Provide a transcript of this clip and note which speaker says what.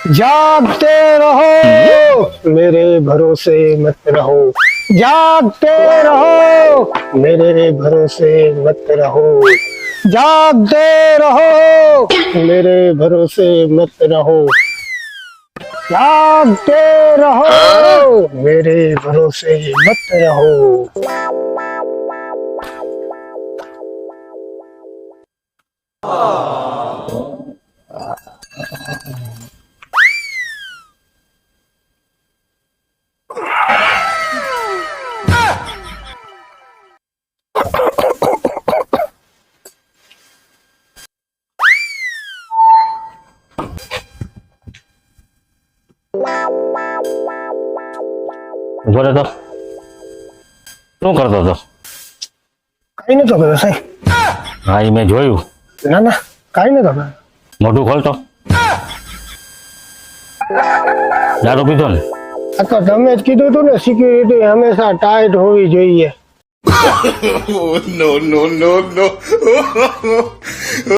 Speaker 1: जागते रहो मेरे भरोसे मत रहो, जागते रहो मेरे भरोसे मत रहो, जागते रहो मेरे भरोसे मत रहो, जागते रहो मेरे भरोसे मत रहो।
Speaker 2: बोले तो શું કરતો હતો?
Speaker 1: કઈ નતો કર્યો સાહેબ.
Speaker 2: હા એ મેં જોયું.
Speaker 1: ના ના કઈ નતો કર્યો.
Speaker 2: મોઢું ખોલતો. દારૂ પીધો ને?
Speaker 1: આ તો તમે જ કીધું હતું ને સિક્યુરિટી હંમેશા ટાઈટ હોવી જોઈએ.
Speaker 3: No, no, no, no.